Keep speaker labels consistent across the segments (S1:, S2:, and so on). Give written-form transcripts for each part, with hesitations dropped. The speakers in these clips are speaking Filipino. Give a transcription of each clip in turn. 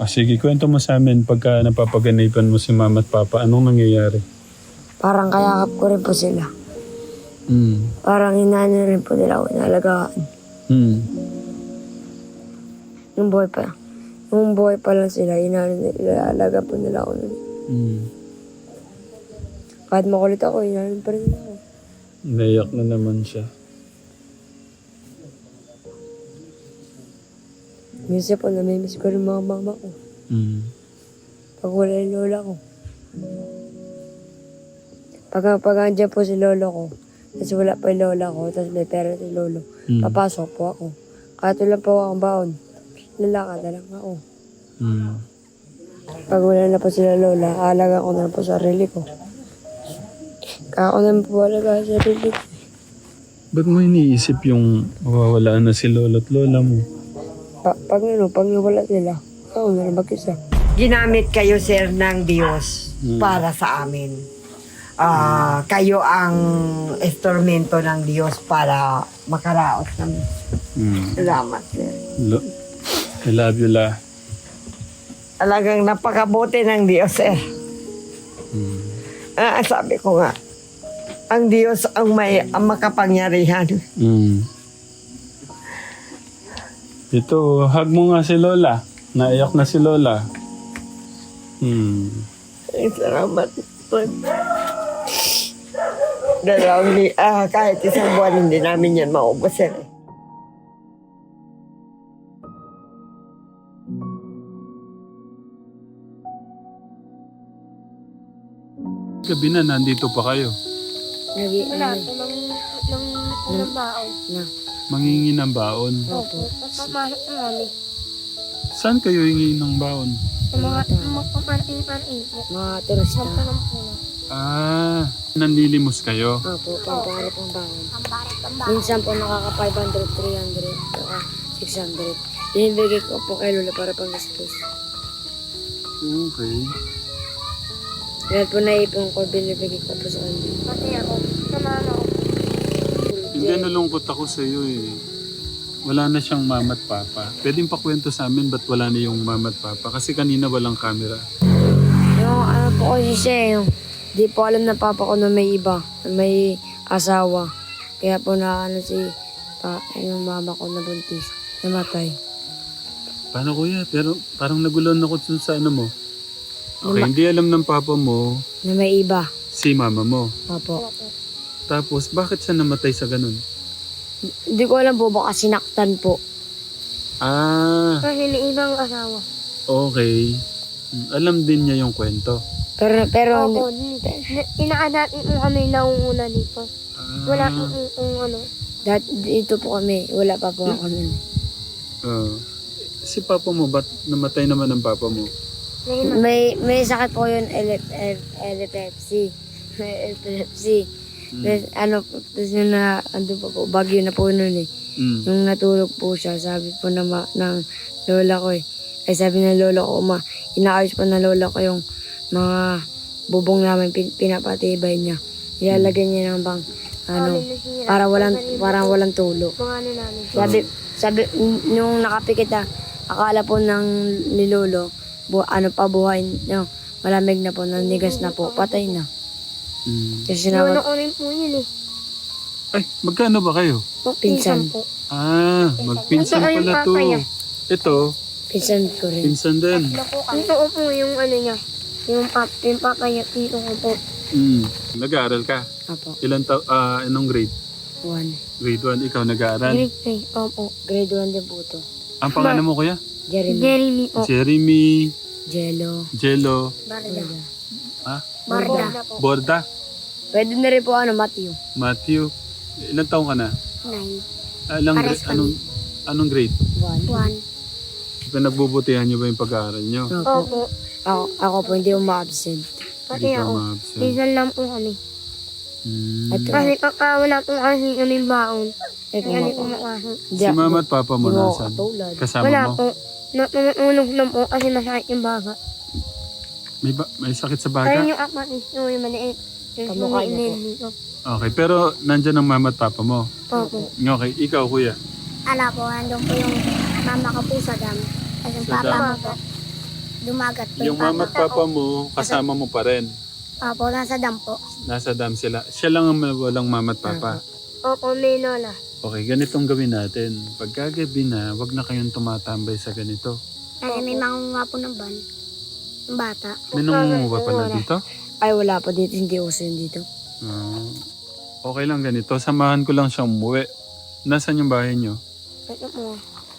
S1: Sige, kwento mo sa amin pagka napapaganipan mo si mama at papa, anong nangyayari?
S2: Parang kayakap ko rin po sila. Parang inaano rin po nila ako, inalagaan. Nung buhay pa lang sila, inalaga po nila ako nun. Kahit makulit ako, inalaga pa rin ako.
S1: Naiyak na naman siya.
S2: Minsan po, namimiss ko rin mga mama ko. Pag wala yung lola ko. Pag andyan po si lolo ko, tapos wala pa yung lola ko, tapos may pera si lolo, papasok po ako. Kahit wala po akong baon, lalakad na lang ako. Pag wala na po sila lola, aalaga ko na po sarili ko. Kaya ako naman po alaga sa sarili ko.
S1: Ba't mo iniisip yung mawawalaan na si lolo at lola mo?
S2: Pag wala sila, ako na lang mag-isa.
S3: Ginamit kayo, sir, ng Diyos para sa amin. Kayo ang instrumento ng Diyos para makaraos kami. Salamat, sir.
S1: I love you, La.
S3: Talagang napakabuti ng Diyos, sir. Sabi ko nga, ang Diyos ang makapangyarihan.
S1: Ito, hug mo nga si Lola. Naiyak na si Lola.
S3: Salamat. Kahit isang buwan hindi namin yan maubos, sir.
S1: Gabi na, nandito pa kayo.
S4: Wala po ng baon.
S1: Mangingi ng baon.
S4: Opo. Papamasok na kami.
S1: Saan kayo hingi ng baon?
S4: Sa mga pamanain po.
S2: Mga turista.
S4: Sampa ng puno.
S1: Nanlilimos kayo.
S2: Opo, pampara pang baon.
S4: Ang barat.
S2: Minsan po nakaka 500, 300, saka 600. Binibigay ko po kay Lola para pang gastos.
S1: Okay.
S2: Kaya po naipon ko, binibigay ko po sa kanya.
S4: Pati ako. Nanalo.
S1: Hindi, nalungkot ako sa iyo eh. Wala na siyang mama at papa. Pwedeng pakwento sa amin ba't wala na yung mama at papa? Kasi kanina walang camera.
S2: Yung ano po kasi siya yung di po alam na papa ko na may iba, na may asawa. Kaya po na ano yung mama ko na buntis, namatay.
S1: Paano kuya? Pero parang nagulon ako dun sa ano mo. Okay, hindi alam ng papa mo
S2: Na may iba.
S1: si mama mo.
S2: Opo.
S1: Tapos bakit siya namatay sa ganun?
S2: Hindi ko alam po, baka sinaktan po.
S4: Kasi iniibang asawa.
S1: Okay. Alam din niya yung kwento.
S2: Pero
S4: Opo. Inaanatin mo kami nauuna dito. Wala kung ano.
S2: dito po kami, wala pa po ako nun.
S1: Si papa mo, ba't namatay naman ang papa mo?
S2: May sakit po yun, epilepsy. May epilepsy. Tapos yun na, ando pa po, bagyo na po nun eh. Nung natulog po siya, sabi po ng lola ko eh. Ay sabi ng lola ko, inaayos pa ng lola ko yung mga bubong namin, pinapatibay niya. Ilalagay niya ng bang, para walang tulo.
S4: Mga ano namin.
S2: Sabi, nung nakapikit na, akala po ng ni lolo, buhay, no, malamig na po, nanigas na po, patay na. Kasi
S4: Iwan ako rin po yun eh.
S1: Ay, magkano ba kayo?
S2: Pinsan.
S4: po.
S1: Magpinsan
S4: Ito yung
S1: pala
S4: papa
S1: to.
S4: niya.
S1: Ito,
S2: Pinsan ko rin.
S1: pinsan din.
S4: Ito ko po yung ano niya. Yung papa niya. Tito ko po.
S1: Nag-aaral ka?
S2: Apo,
S1: Anong grade?
S2: 1.
S1: Grade 1, ikaw nag-aaral?
S4: Grade 3. Opo.
S2: Grade 1 din po to.
S1: Ang pangalan mo kuya?
S2: Jeremy.
S4: Jeremy po.
S1: Jeremy,
S2: Jello.
S1: Jello,
S4: Barda.
S2: Barda.
S1: Borda,
S2: Pwede na rin po Matthew.
S1: Matthew. Ilan taong ka na?
S4: 9.
S1: Grade, anong grade?
S2: 1.
S1: Pinagbubutihan niyo ba yung pag-aaral niyo?
S4: Opo.
S2: Ako po hindi uma-absent.
S4: Pati
S1: Hindi ka
S4: ako.
S1: ma-absent.
S4: Minsan lang po kami.
S2: At
S4: Kasi wala po kasi yung baon.
S2: ito
S4: Kaya hindi
S2: po.
S4: po makasok.
S1: Si mama at papa mo
S2: Hindi mo
S1: nasan?
S2: katulad.
S1: Kasama
S4: Wala
S1: mo?
S4: po. Natulog lang po kasi masakit yung baga.
S1: May sakit sa
S4: Kaya
S1: baga?
S4: yung apat yung maliit. Yung
S2: Kamukha niya po.
S4: dito.
S1: Okay, pero nandyan ang mama at papa mo.
S4: Opo.
S1: Okay, ikaw kuya.
S4: Ala po, nandun po yung mama ko po sa dam. At yung
S1: Sa
S4: papa
S1: dam?
S4: mo po. dumagat po
S1: Yung mama at papa mo, kasama mo pa rin.
S4: Opo, nasa dam po.
S1: Nasa dam sila. Siya lang ang walang mama at papa.
S4: Opo, may lola.
S1: Okay, ganitong gawin natin. Pagkagabi na, wag na kayong tumatambay sa ganito.
S4: Kasi may mangunga po ng ban. Yung bata.
S1: May nangunguha pala dito?
S2: Ay, wala po dito. Hindi uso yun dito.
S1: Ah, okay lang ganito. Samahan ko lang siyang umuwi. Nasaan yung bahay niyo?
S4: Ito po.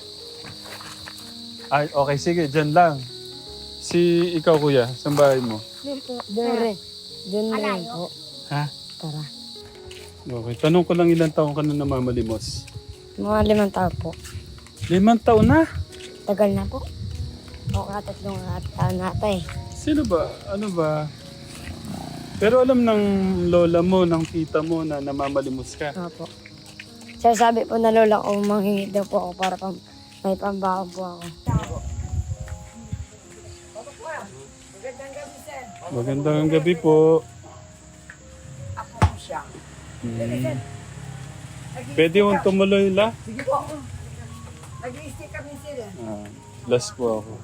S1: Ay, okay. Sige, dyan lang. Si ikaw, kuya, saan bahay mo?
S4: Yun po.
S2: Doon rin. Doon rin
S4: Malayo.
S2: po.
S1: Ha?
S2: Tara.
S1: Okay. Tanong ko lang ilang taon ka na namamalimos.
S2: Mga 5 taon po.
S1: 5 taon na?
S2: Tagal na po. O katatlong taon na ata eh.
S1: Sino ba? Ano ba? Pero alam ng lola mo, ng tita mo na namamalimos ka.
S2: Opo. Sir, sabi po na lola ko, manghingi daw po ako para may pambaon po ako.
S1: Magandang gabi po.
S3: Ako po siya.
S1: Pwede yung tumuloy la?
S3: Sige po. Nag-i-stick kami sila.
S1: Last po ako.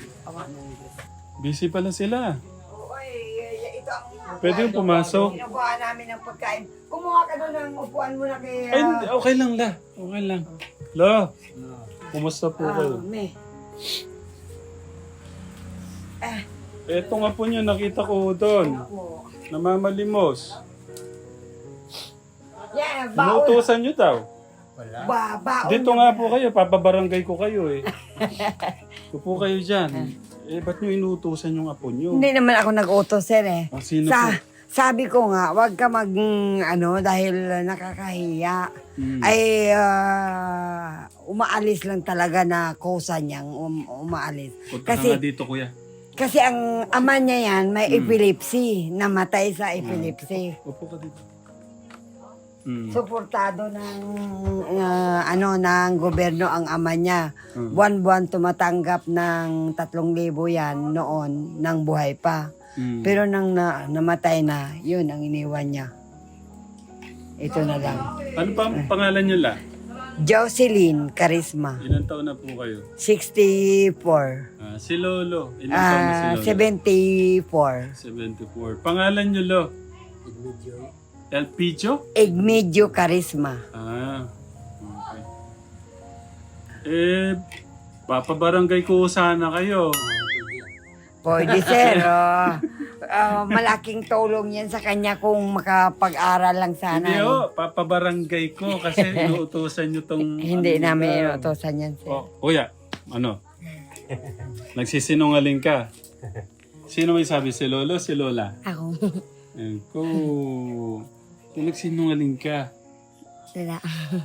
S1: Busy pala sila.
S3: Ito ang
S1: Pwede yung pumasok.
S3: kinukuha namin ng pagkain. Kumuha ka doon ng upuan mo na kay...
S1: Ay, hindi. Okay lang la. Okay lang. La, kumusta po kayo?
S3: me.
S1: Eto nga po niyo, nakita ko doon. Namamalimos.
S3: Yeah, baon.
S1: Inuutosan niyo daw.
S3: Baon.
S1: Dito nga po kayo, papabarangay ko kayo eh. Upo kayo dyan. Eh, ba't niyo inuutosan yung apo niyo?
S3: Hindi naman ako nag-utos, sir eh.
S1: Ah, sino po?
S3: Sabi ko nga, wag ka dahil nakakahiya. Ay, umaalis lang talaga na kosa niyang umaalis.
S1: Punta ka nga dito, kuya.
S3: Kasi ang ama niya yan, may epilepsy, namatay sa epilepsy.
S1: Upo ka dito.
S3: Suportado ng ng gobyerno ang ama niya. Buwan-buwan tumatanggap ng 3,000 yan noon nang buhay pa. Pero nang namatay na, yun ang iniwan niya. Ito na lang.
S1: Ano pa ang pangalan niyo la?
S3: Jocelyn Charisma,
S1: Ilan taon na po kayo?
S3: 64.
S1: Si Lolo. Ilan taon na si Lolo?
S3: 74.
S1: 74. Pangalan niyo, Lo? Elpidio?
S3: Egmedio Charisma.
S1: Okay. Eh, papabarangay ko sana kayo.
S3: Pwede, sir. Malaking tulong yan sa kanya kung makapag-aral lang sana.
S1: Hindi papabarangay ko kasi inuutosan niyo tong...
S3: Hindi
S1: ano
S3: namin
S1: nila.
S3: inutosan yan, sir.
S1: Kuya, ano? Nagsisinungaling ka. Sino may sabi? Si Lolo, si Lola?
S2: Ako.
S1: Ako. Nagsinungaling ka.
S2: Wala.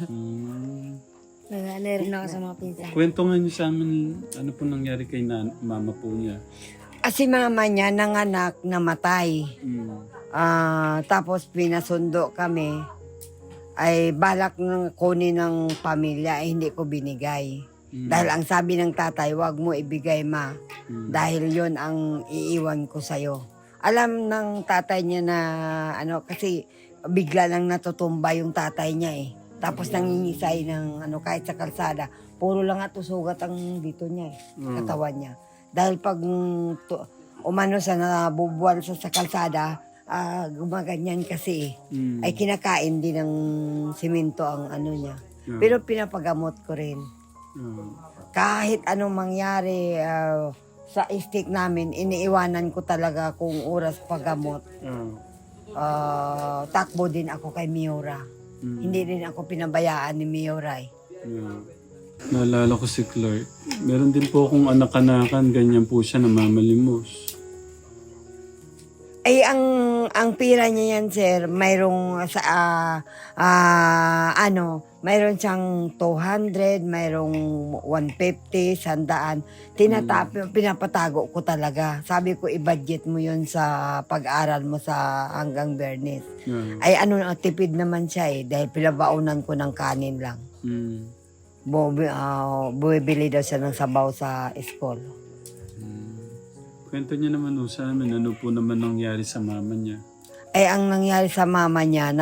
S2: Wala na rin ako sa mga pinsan.
S1: Kwento nga niyo sa amin, ano po nangyari kay mama po niya?
S3: Si mama niya nanganak, namatay. Tapos pinasundo kami. Ay balak ng kunin ng pamilya, hindi ko binigay. Dahil ang sabi ng tatay, wag mo ibigay ma. Dahil yon ang iiwan ko sa'yo. Alam ng tatay niya na kasi bigla lang natutumba yung tatay niya eh. Tapos nangingisay ng kahit sa kalsada. Puro lang sugat ang dito niya eh. Katawan niya. Dahil pag umano sa nabubuwal sa kalsada, gumaganyan kasi eh. Ay kinakain din ng simento ang niya. Pero pinapagamot ko rin. Kahit anong mangyari sa stick namin, iniiwanan ko talaga kung oras paggamot. Takbo din ako kay Miura. Hindi rin ako pinabayaan ni Miura eh.
S1: Naalala ko si Clark. Meron din po akong anak-anakan, ganyan po siya namamalimos.
S3: Ay, ang pira niya yan, sir, mayroong mayroon siyang 200, mayroong 150, 100. Pinapatago ko talaga. Sabi ko, i-budget mo yun sa pag-aral mo sa hanggang Bernes. Ay, tipid naman siya eh, dahil pinabaunan ko ng kanin lang. Bumibili daw siya ng sabaw sa school.
S1: Kwento niya naman sa amin, ano po naman nangyari sa mama niya?
S3: Ay, ang nangyari sa mama niya,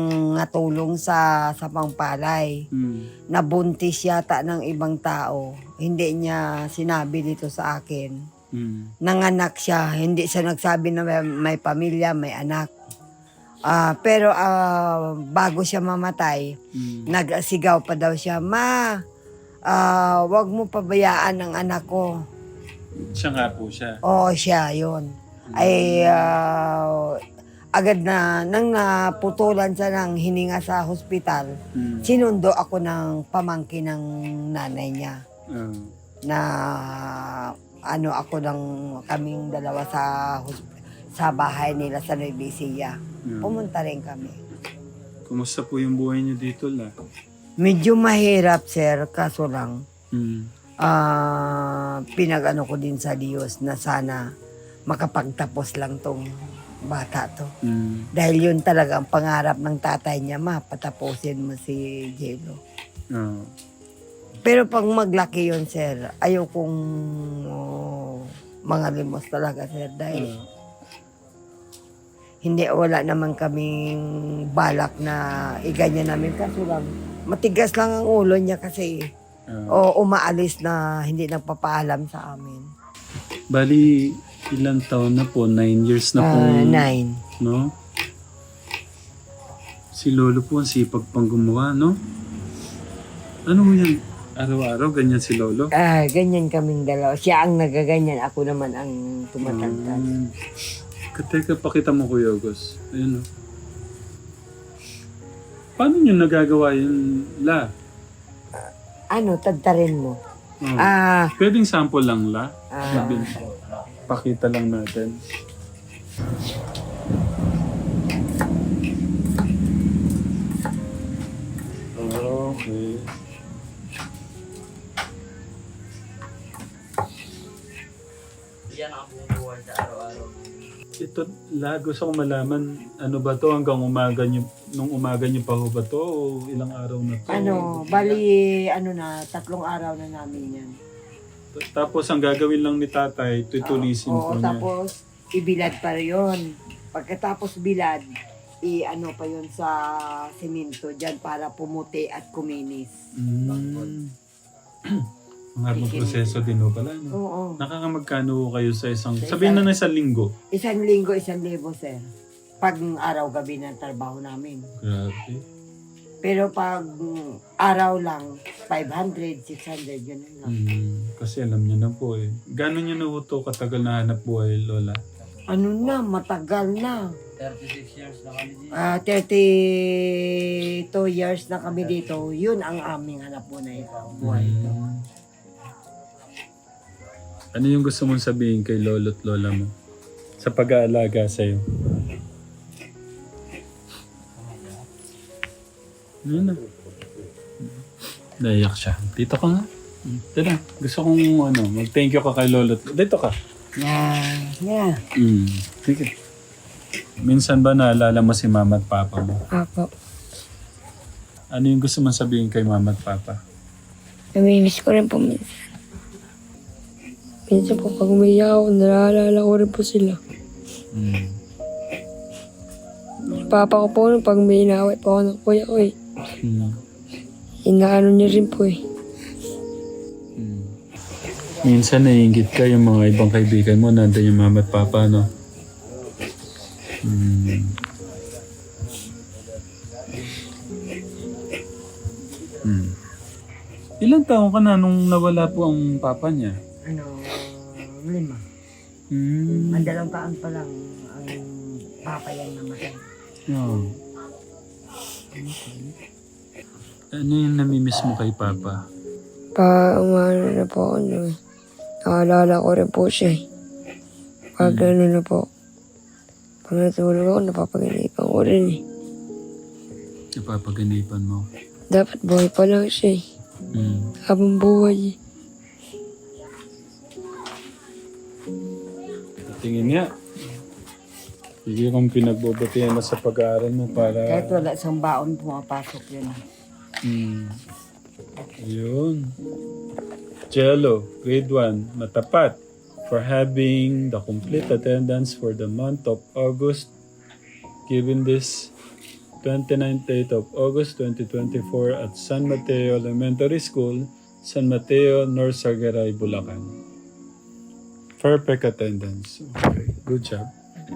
S3: nangatulong sa pangpalay. Nabuntis yata ng ibang tao. hindi niya sinabi dito sa akin.
S1: Mm.
S3: Nanganak siya, hindi siya nagsabi na may pamilya, may anak. Pero bago siya mamatay,
S1: Mm.
S3: nagsigaw pa daw siya, "Ma, wag mo pabayaan ang anak ko."
S1: Siya nga po siya.
S3: Oo, siya, yun. Ay, agad nang naputulan siya ng hininga sa hospital,
S1: Mm.
S3: sinundo ako ng pamangkin ng nanay niya.
S1: Ah.
S3: Na ako ng kaming dalawa sa bahay nila sa Nuevesia.
S1: Mm.
S3: Pumunta rin kami.
S1: Kumusta po yung buhay niyo dito, La?
S3: Medyo mahirap, sir, kaso lang
S1: Mm.
S3: pinag-ano ko din sa Diyos na sana makapagtapos lang tong bata to.
S1: Mm.
S3: Dahil yun talaga ang pangarap ng tatay niya, "Ma, patapusin mo si Jello."
S1: Ah.
S3: Pero pag maglaki yun, sir, ayaw kong mga limos talaga, sir. Dahil wala naman kaming balak na iganyan namin. Kaso lang, matigas lang ang ulo niya kasi umaalis na hindi nagpapaalam sa amin.
S1: Bali, ilang taon na po? 9 years na po.
S3: 9.
S1: No? Si Lolo po ang sipag pang gumawa, no? Ano yan? Araw-araw ganyan si Lolo?
S3: Ganyan kaming dalawa. Siya ang nagaganyan, ako naman ang tumatagtad.
S1: Teka, pakita mo Kuya August. Ayun, no? Paano nyo nagagawa yun, La?
S3: Tagtarin mo.
S1: Oh.
S3: Ah,
S1: Pwedeng sample lang, La?
S3: ah,
S1: Pakita lang natin. Okay.
S5: Yan ang bumubuhay sa araw-araw.
S1: Ito, La, gusto kong malaman, ano ba to hanggang umaga nyo, nung umaga nyo pa ho ba to o ilang araw na to?
S3: bali, 3 araw na namin yan.
S1: Tapos ang gagawin lang ni tatay, tutulisin po
S3: Oo,
S1: niya.
S3: tapos ibilad pa yun. Pagkatapos bilad, pa yun sa simento dyan para pumuti at kuminis.
S1: Ang habang proseso din ho pala. No?
S3: Oo.
S1: Nakakamagkano ho kayo sa isang,
S3: Sa
S1: sabihin na
S3: isang-
S1: na isang linggo.
S3: 1 linggo, 1,000, sir. Pag araw-gabi ng trabaho namin.
S1: Grabe.
S3: Pero pag araw lang, 500, 600, yun lang.
S1: Kasi alam niyo na po eh. Gano'n niyo na ho to katagal na hanap buhay, Lola?
S3: Matagal na.
S5: 36 years na kami dito.
S3: 32 years na kami dito. Yun ang aming hanap buhay.
S1: Ano yung gusto mong sabihin kay lolo at lola mo? Sa pag-aalaga sa'yo? Ano na? Naiyak siya. Dito ka nga. Tara. Gusto kong mag-thank you ka kay lolo. Dito ka.
S3: Yeah.
S1: Sige. Minsan ba naalala mo si mama at papa mo?
S2: Apo.
S1: Ano yung gusto mong sabihin kay mama at papa?
S2: Namimiss ko rin po minsan. Minsan po pag umiyak ako, naalala ko rin po sila. Papa ko po nung pag may inaway po ako ng kuya ko eh. Inaano niya rin po eh.
S1: Minsan naiingit ka yung mga ibang kaibigan mo, nandun yung mama at papa, no? Ilang taon ka na nung nawala po ang papa niya?
S3: 5.
S1: Hmm.
S3: Ang 2 taon pa lang ang papa yan namatay.
S1: Oh. Ano yung namimiss mo kay papa?
S2: Umano na po ako nun. Naalala ko rin po siya eh. Pag ano na po. Pag natulog ako, napapaginipan ko rin eh.
S1: Napapaganipan mo?
S2: Dapat buhay pa lang siya eh. Habang buhay eh.
S1: Tingin nga. Sige kung pinagbubutihan mo sa pag-aaral mo para...
S3: Kahit wala isang baon, pumapasok yun.
S1: Ayun. Jello, grade 1, matapat for having the complete attendance for the month of August given this 29th date of August 2024 at San Mateo Elementary School, San Mateo, North Sagaray, Bulacan. Perfect attendance. Okay, good job.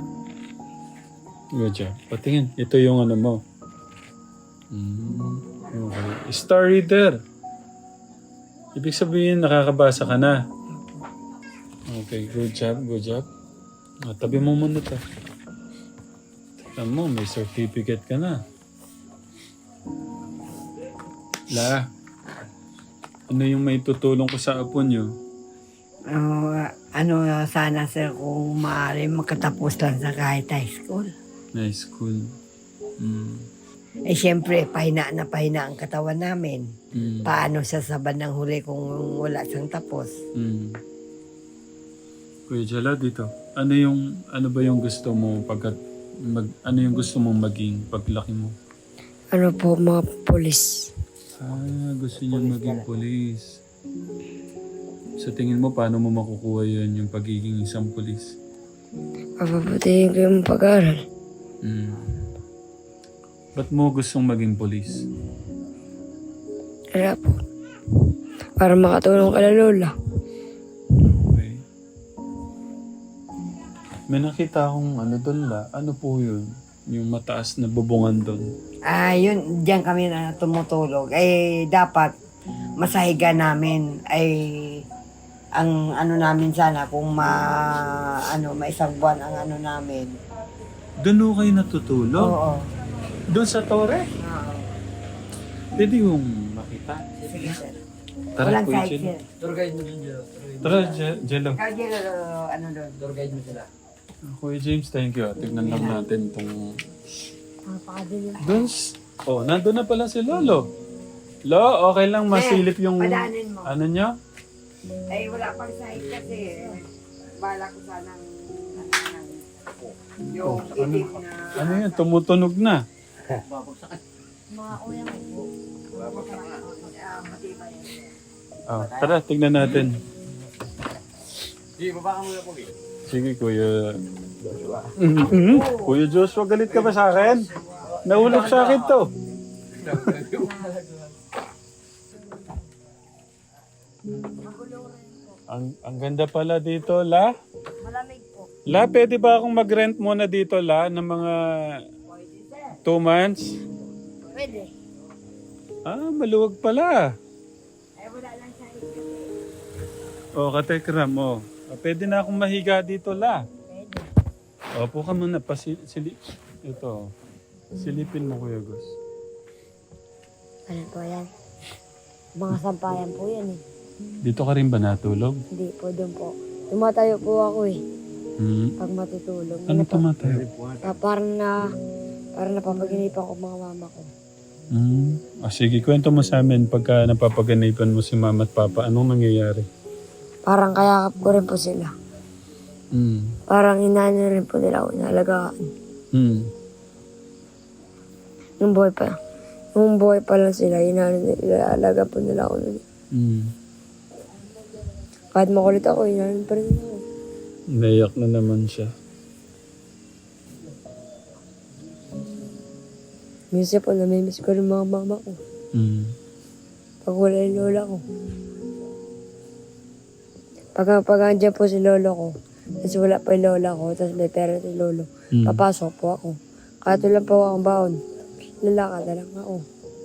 S1: Good job. Patingin, ito yung ano mo. Okay. Star reader. Ibig sabihin, nakakabasa ka na. Okay, good job, good job. Tabi mo muna ito. Tignan mo, may certificate ka na. La, ano yung may tutulong ko sa apo nyo?
S3: Sana sir kung maaari makatapos lang sa kahit high school.
S1: Nice school.
S3: Siyempre, pahina na pahina ang katawan namin.
S1: Mm.
S3: Paano siya sa bandang huli kung wala siyang tapos?
S1: Kuya Jala, dito. Ano ba yung gusto mo ano yung gusto mong maging paglaki mo?
S2: Ano po, mga pulis.
S1: Gusto niyo maging police. Sa tingin mo, paano mo makukuha yun, yung pagiging isang police?
S2: Papapatayin ko yung pag-aaral.
S1: Ba't mo gustong maging police?
S2: Wala po. Para makatulong kay Lola.
S1: Okay. May nakita akong doon la. Ano po yun? Yung mataas na bubungan doon.
S3: Yun, diyan kami na tumutulog. Dapat masahiga namin ang namin sana kung maisang buwan ang namin.
S1: Doon ho kayo natutulog?
S3: Oo.
S1: Doon sa tore? Pwede yung makita.
S3: Sige, sir.
S1: Tara,
S3: Walang
S1: Kuya
S3: side,
S1: Jello.
S3: sir.
S5: Tour guide mo dun, Jello.
S1: Tara, Jello.
S3: Ikaw, Jello, doon?
S5: Tour guide mo sila.
S1: Kuya James, thank you. Tignan lang natin itong...
S2: Napakadali.
S1: Doon... nandun na pala si Lolo. Lo, okay lang masilip yung...
S3: padaanin mo.
S1: Ano niya?
S3: Wala pang side kasi. Bala ko sanang yung itim na...
S1: Ano yun? Tumutunog na.
S2: Mga kuya ko po.
S3: matibay.
S1: Tara, tignan natin.
S5: Sige, baba ka muna po,
S1: Sige, Kuya... Kuya Joshua, galit ka ba sa akin? Nahulog sa akin to. ang ganda pala dito, La.
S2: Malamig po.
S1: La, pwede ba akong mag-rent muna dito, La, ng mga 2 months?
S2: Pwede.
S1: Maluwag pala. Katekram, pwede na akong mahiga dito, La.
S2: Pwede.
S1: Opo ka muna. Ito. Silipin mo, Kuya Gus.
S2: Ano po yan? Mga sampayan po yan eh.
S1: Dito ka rin ba natulog?
S2: Hindi po, doon po. Tumatayo po ako eh. Pag matutulog.
S1: Ano tumatayo?
S2: Parang napapaginipan ko mga mama ko.
S1: Sige, kwento mo sa amin pagka napapaganipan mo si mama at papa. Anong nangyayari?
S2: Parang kayakap ko rin po sila. Parang inaano rin po nila ako, inalagaan. Nung buhay pa lang sila, inaalaga po nila ako. Kahit makulit ako, inaano pa rin ako.
S1: Naiyak na naman siya.
S2: Minsan po, namimiss ko rin mga mama ko. Pag wala yung lola ko. Pag andyan po si lolo ko, tapos wala pa yung lola ko, tapos may pera si lolo, papasok po ako. Kahit wala po akong baon, lalakad na lang ako.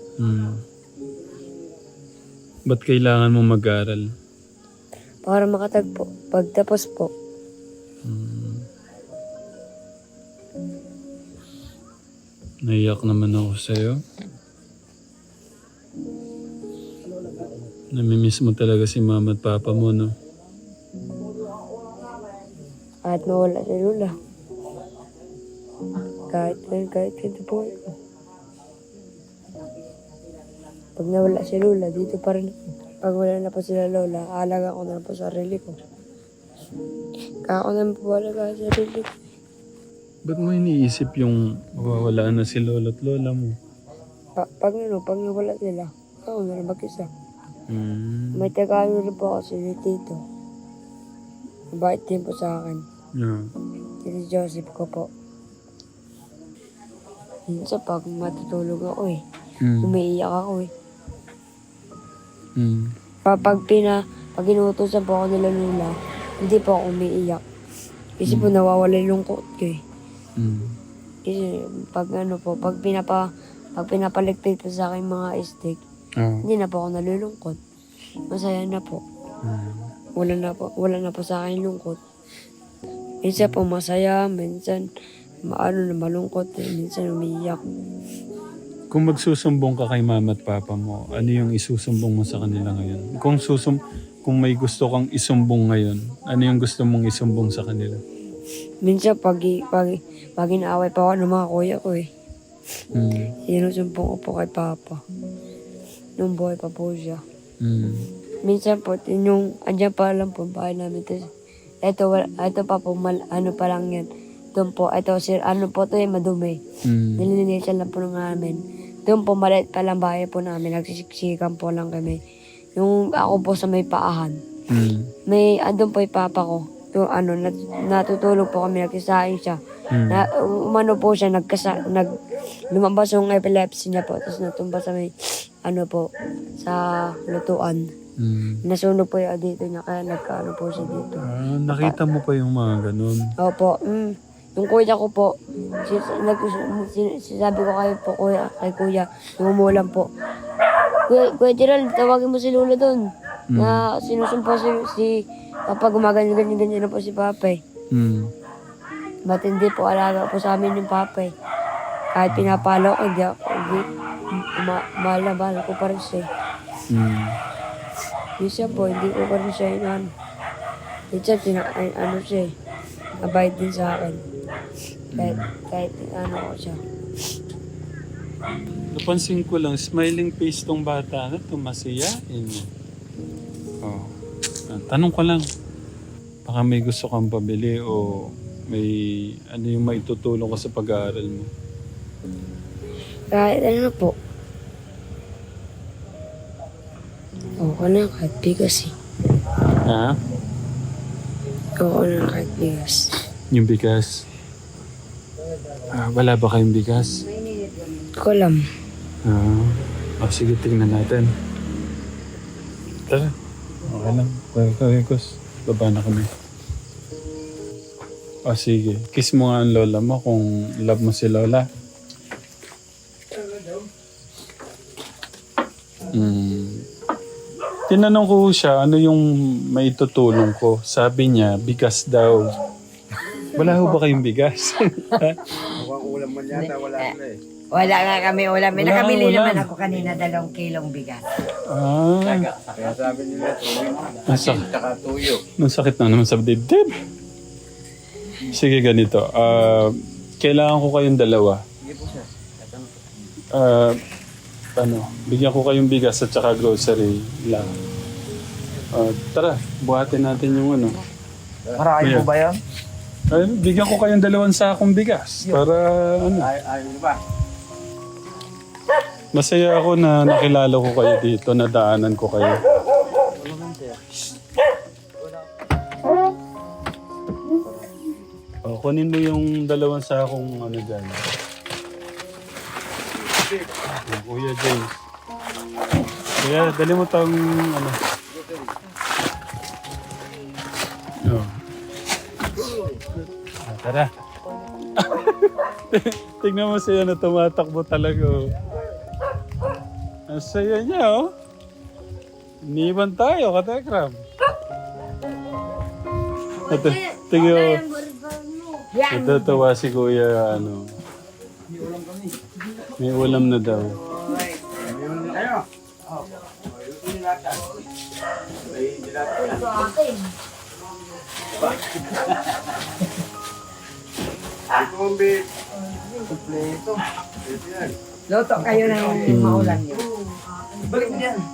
S1: Ba't kailangan mo mag-aral?
S2: Para makatagpo, pagtapos po.
S1: Naiyak naman ako sa'yo. Namimiss mo talaga si mama at papa mo, no?
S2: Kahit mawala si lola. Kahit ito po ako. Pag nawala si lola, dito pa rin ako. Pag wala na po sila lola, aalaga ko na po sa sarili ko. Kaya ako na po alaga sa sarili ko.
S1: Ba't mo iniisip yung mawawalaan na si lolo at lola mo?
S2: Pag nawala sila, ako na lang mag-isa. May Tagalog rin po ako si Tito. Mabait din po sa akin.
S1: Yeah.
S2: Si Joseph ko po. Minsan pag matutulog ako umiiyak ako Pag inuutosan po ako nila Lula, hindi po ako umiiyak. Kasi po nawawala yung lungkot ko eh. Kasi pag pinapaligtay po sa akin mga steak, hindi na po ako nalulungkot. Masaya na po. Wala na po sa akin lungkot. Minsan po masaya, minsan malungkot, minsan umiiyak.
S1: Kung magsusumbong ka kay mama at papa mo, ano yung isusumbong mo sa kanila ngayon? Kung may gusto kang isumbong ngayon, ano yung gusto mong isumbong sa kanila?
S2: Minsan pag inaaway pa ako ng mga kuya ko eh. Sinusumbong ko po kay papa. Nung buhay pa po siya. Minsan po, yung andyan pa lang po bahay namin. Ito pa po, ano pa lang yan. Doon po, ito sir, ano po ito madumi. Nililinisan lang po ng amin. Doon po, maliit pa lang bahay po namin. Nagsisiksikan po lang kami. Yung ako po sa may paahan. Andun po yung papa ko. Natutulog po kami, nagkisaing siya. Umano po siya, lumabas yung epilepsy niya po. Tapos natumba sa may, sa lutuan. Nasunog po yung dito niya, kaya nagkaano po siya dito.
S1: Nakita mo pa yung mga ganun?
S2: Opo. Yung kuya ko po, sabi ko kay kuya, umulan po. Kuya Gerald, tawagin mo si Lula doon. Na sinusumpo si Papa, gumaganyan-ganyan na po si Papa eh. Ba't hindi po alaga po sa amin yung Papa eh. Kahit pinapalo ko, mahal na mahal ko pa rin siya. Minsan po, hindi ko pa rin siya yun. Minsan, siya eh. Abide din sa akin. Kahit ko siya.
S1: Napansin ko lang, smiling face tong bata na ito, masiyain mo. Tanong ko lang, baka may gusto kang pabili o may ano yung maitutulong ko sa pag-aaral mo?
S2: Kahit ano po. Oo na, kahit bigas eh.
S1: Ha?
S2: Oo na, kahit bigas.
S1: Yung bigas? Wala ba kayong bigas?
S2: Ko alam.
S1: Sige, tingnan natin. Tara. Okay lang. Kagos. Baba na kami. Sige. Kiss mo nga ang lola mo kung love mo si lola. Tinanong ko siya, ano yung may tutulong ko? Sabi niya, bigas daw. Wala ho ba kayong bigas?
S6: Ulam man yata, wala na eh.
S3: Wala nga kami ulam. May
S1: Wala,
S3: nakabili
S1: wala.
S3: naman ako kanina 2 kilong bigas.
S6: Kaya sabi nila, tsaka tuyo.
S1: Ang sakit na naman sa dibdib. Sige, ganito. Kailangan ko kayong dalawa. Bigyan ko kayong bigas at saka grocery lang. Tara, buhatin natin yung ano.
S6: Marami po ba yan?
S1: Bigyan ko kayong 2 sakong bigas. Para ano.
S6: Ayaw nyo ba?
S1: Masaya ako na nakilala ko kayo dito, nadaanan ko kayo. Kunin mo yung 2 sakong ano dyan. Kuya James. Kuya, dali mo tong ano. Tara. Tignan mo siya na tumatakbo talaga. Ang saya niya, oh. Iniwan tayo, katekram. Tingnan mo. Natatawa si Kuya, ano. May ulam na daw.
S3: Loto kayo ng maulan nyo.
S6: Balik mo yan.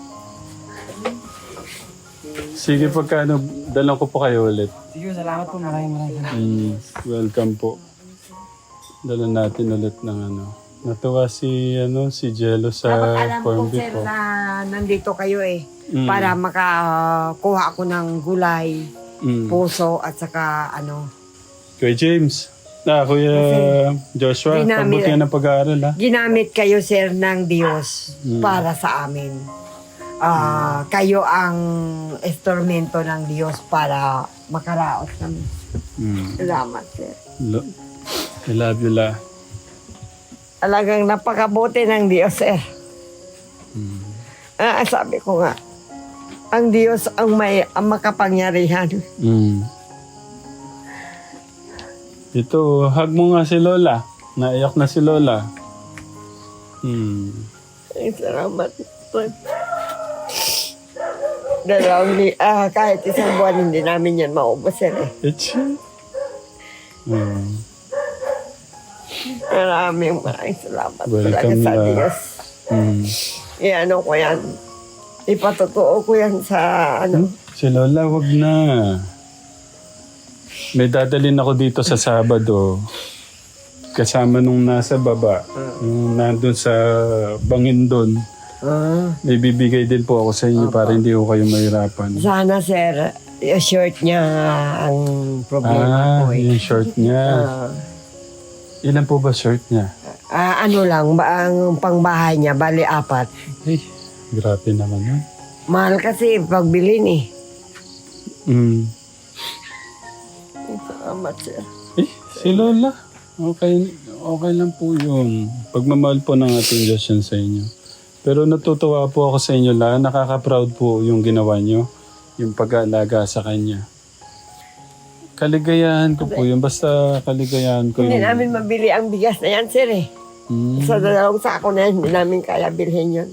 S1: Sige, pagkano, dalang ko po kayo ulit.
S6: Sige, salamat po. Maraming.
S1: Welcome po. Dala natin ulit ng ano. Natuwa si Jello sa
S3: Dapat alam ko,
S1: corn beef
S3: sir,
S1: po.
S3: na nandito kayo eh. Para makakuha ako ng gulay, puso, at saka
S1: Kuya James. Kuya Joshua, pagbutihan ng pag-aaral ha.
S3: ginamit kayo, sir, ng Diyos para sa amin. kayo ang instrumento ng Diyos para makaraos kami. Salamat, sir.
S1: I love you, La.
S3: Talagang napakabuti ng Diyos, sir. Sabi ko nga, ang Diyos ang makapangyarihan.
S1: Ito, hug mo nga si Lola. Naiyak na si Lola.
S3: Ay, salamat. Kahit isang buwan hindi namin yan maubos, sir.
S1: It's
S3: Maraming salamat talaga
S1: Welcome,
S3: sa
S1: La.
S3: Diyos. Iano ko yan. Ipatotoo ko yan sa
S1: Si Lola, wag na. May dadalhin ako dito sa Sabado. Kasama nung nasa baba. Yung nandun sa bangin doon. May bibigay din po ako sa inyo para hindi ko kayo mahirapan.
S3: Sana, sir, yung short niya ang problema ko.
S1: Yung short niya. Ilan po ba short niya?
S3: Ano lang, ang pangbahay niya, bali 4.
S1: Ay, grabe naman yun.
S3: Mahal kasi pagbilin eh. Salamat, sir.
S1: Si Lola. Okay lang po yun. Pagmamahal po ng ating Diyos yan sa inyo. Pero natutuwa po ako sa inyo, La. Nakaka-proud po yung ginawa nyo. Yung pag-aalaga sa Kanya. Kaligayahan ko po yun. Basta kaligayahan ko
S3: Hindi
S1: yun.
S3: namin mabili ang bigas na yan, sir eh. Sa 2 sako na yan, hindi namin kaya bilhin yun.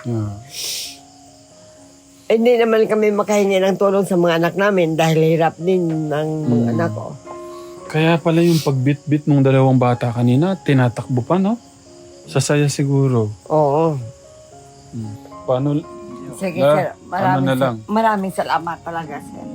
S3: Hindi naman kami makahingi ng tulong sa mga anak namin dahil hirap din ng mga anak ko.
S1: Kaya pala yung pagbit-bit ng 2 bata kanina, tinatakbo pa, no? Sasaya siguro.
S3: Oo.
S1: Paano?
S3: Sige,
S1: La,
S3: sir.
S1: ano na lang?
S3: Maraming salamat talaga, sir.